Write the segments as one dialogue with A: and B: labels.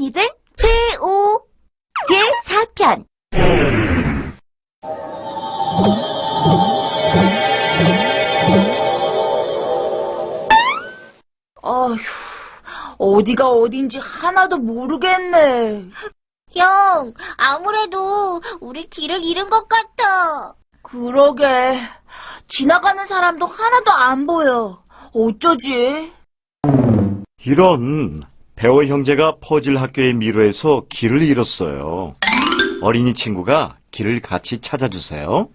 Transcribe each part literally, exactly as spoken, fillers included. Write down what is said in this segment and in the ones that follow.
A: 사랑이 된 배우 제사 편.
B: 아휴, 어디가 어딘지 하나도 모르겠네.
C: 형, 아무래도 우리 길을 잃은 것 같아.
B: 그러게, 지나가는 사람도 하나도 안 보여. 어쩌지?
D: 이런, 배우 형제가 퍼즐 학교의 미로에서 길을 잃었어요. 어린이 친구가 길을 같이 찾아주세요.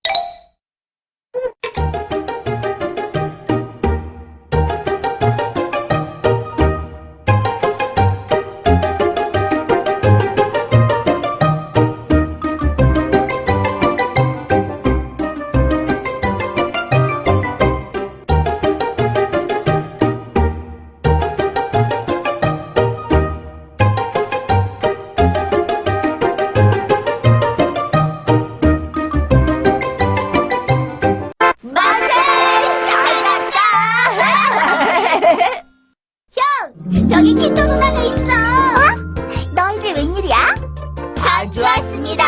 C: 저기 키토 누나가 있어.
A: 어? 너희들 웬일이야?
C: 자주 왔습니다.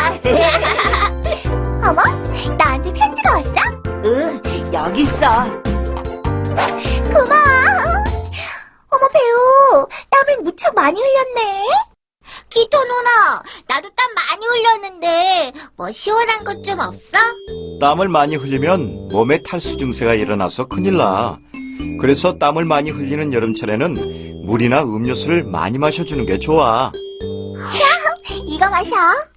A: 어머, 나한테 편지가 왔어?
B: 응, 여기 있어.
A: 고마워. 어머, 배우, 땀을 무척 많이 흘렸네.
C: 키토 누나, 나도 땀 많이 흘렸는데 뭐 시원한 것 좀 없어?
D: 땀을 많이 흘리면 몸에 탈수 증세가 일어나서 큰일 나. 그래서 땀을 많이 흘리는 여름철에는 물이나 음료수를 많이 마셔주는 게 좋아.
A: 이거 마셔.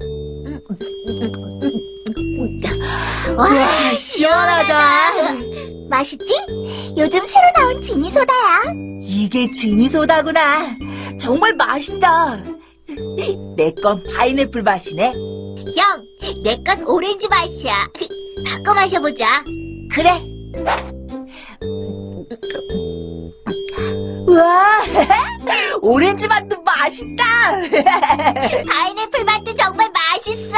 C: 와, 시원하다.
A: 맛있지? 요즘 새로 나온 지니소다야.
B: 이게 지니소다구나. 정말 맛있다. 내 건 파인애플 맛이네.
C: 형, 내 건 오렌지 맛이야. 바꿔 마셔보자.
B: 그래. 우와, 오렌지 맛도 맛있다.
C: 파인애플 맛도 정말 맛있어.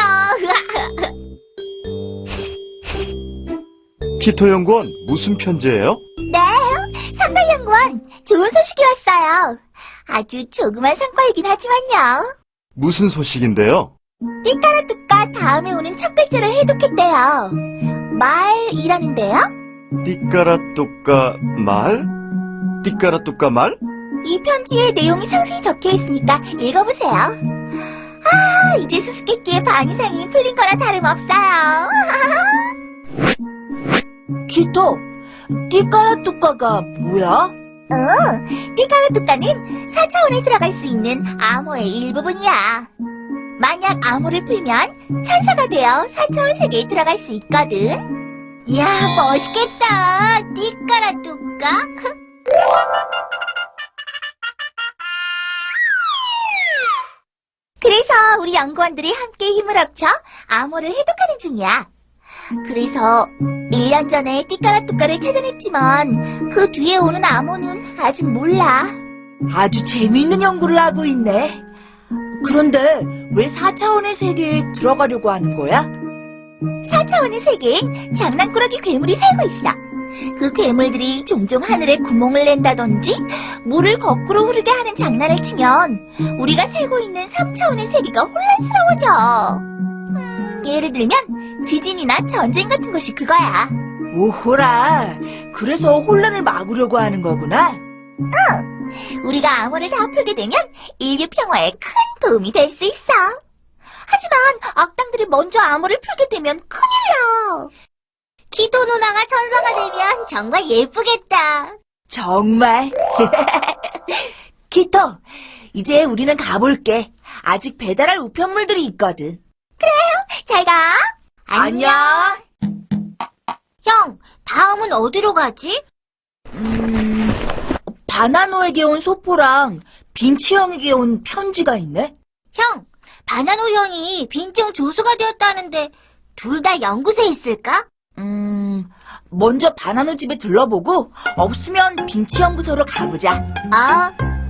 D: 키토 연구원 무슨 편지예요?
A: 네, 상가연구원 좋은 소식이 왔어요. 아주 조그만 성과이긴 하지만요.
D: 무슨 소식인데요?
A: 띠까라뚜까 다음에 오는 첫 글자를 해독했대요. 말이라는데요.
D: 띠까라뚜까 말? 띠까라뚜까 말?
A: 이 편지에 내용이 상세히 적혀 있으니까 읽어보세요. 아, 이제 수수께끼의 반 이상이 풀린 거나 다름없어요.
B: 키토, 띠까라뚜까가 뭐야?
A: 응, 띠까라뚜까는 사 차원에 들어갈 수 있는 암호의 일부분이야. 만약 암호를 풀면 천사가 되어 사 차원 세계에 들어갈 수 있거든.
C: 이야, 멋있겠다. 띠까라뚜까.
A: 그래서 우리 연구원들이 함께 힘을 합쳐 암호를 해독하는 중이야. 그래서 일 년 전에 띠까라뚜까를 찾아냈지만 그 뒤에 오는 암호는 아직 몰라.
B: 아주 재미있는 연구를 하고 있네. 그런데 왜 사 차원의 세계에 들어가려고 하는 거야?
A: 사 차원의 세계엔 장난꾸러기 괴물이 살고 있어. 그 괴물들이 종종 하늘에 구멍을 낸다든지 물을 거꾸로 흐르게 하는 장난을 치면 우리가 살고 있는 삼 차원의 세계가 혼란스러워져. 음, 예를 들면 지진이나 전쟁 같은 것이 그거야.
B: 오호라, 그래서 혼란을 막으려고 하는 거구나.
A: 우리가 암호를 다 풀게 되면 인류 평화에 큰 도움이 될 수 있어. 하지만 악당들이 먼저 암호를 풀게 되면 큰일이야.
C: 키토 누나가 천사가 되면 정말 예쁘겠다.
B: 정말. 키토, 이제 우리는 가볼게. 아직 배달할 우편물들이 있거든.
A: 잘 가.
B: 안녕.
C: 형, 다음은 어디로 가지?
B: 음, 바나노에게 온 소포랑 빈치 형에게 온 편지가 있네.
C: 형, 바나노 형이 빈증 조수가 되었다는데 둘 다 연구소에 있을까?
B: 음, 먼저 바나노 집에 들러보고 없으면 빈치 연구소로 가보자.
C: 아,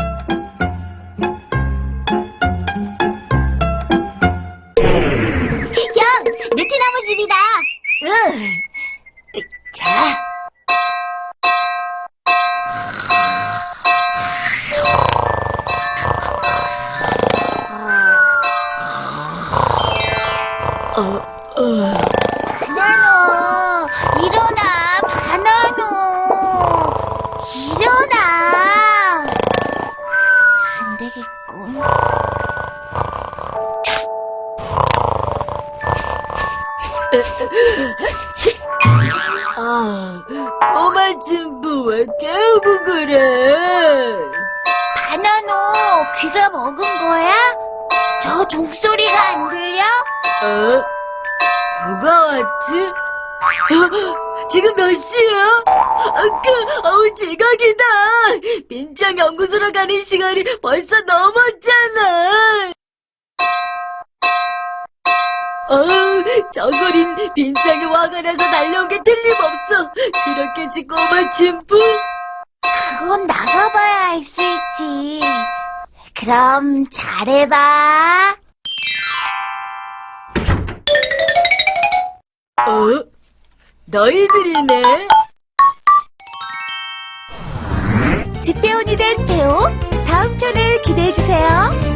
C: 형, 느티나무 집이다.
B: 응. 자. 어, 어.
C: 바나노, 일어나, 바나노. 일어나. 안 되겠군.
B: 아, 꼬마 친구 왜 깨우고 그래?
C: 바나노, 귀가 먹은 거야? 저 종소리가 안 들려?
B: 어? 누가 왔지? 어, 지금 몇 시야? 아, 그, 어우, 제각이다. 빈장 연구소로 가는 시간이 벌써 넘었잖아. 어우, 저 소린 빈장이 화가 나서 달려온 게 틀림없어. 그렇겠지, 꼬마 친구?
C: 그건 나가봐야 알 수 있지. 그럼 잘해봐.
B: 어? 너희들이네?
A: 집배원이 된 배우 다음 편을 기대해주세요.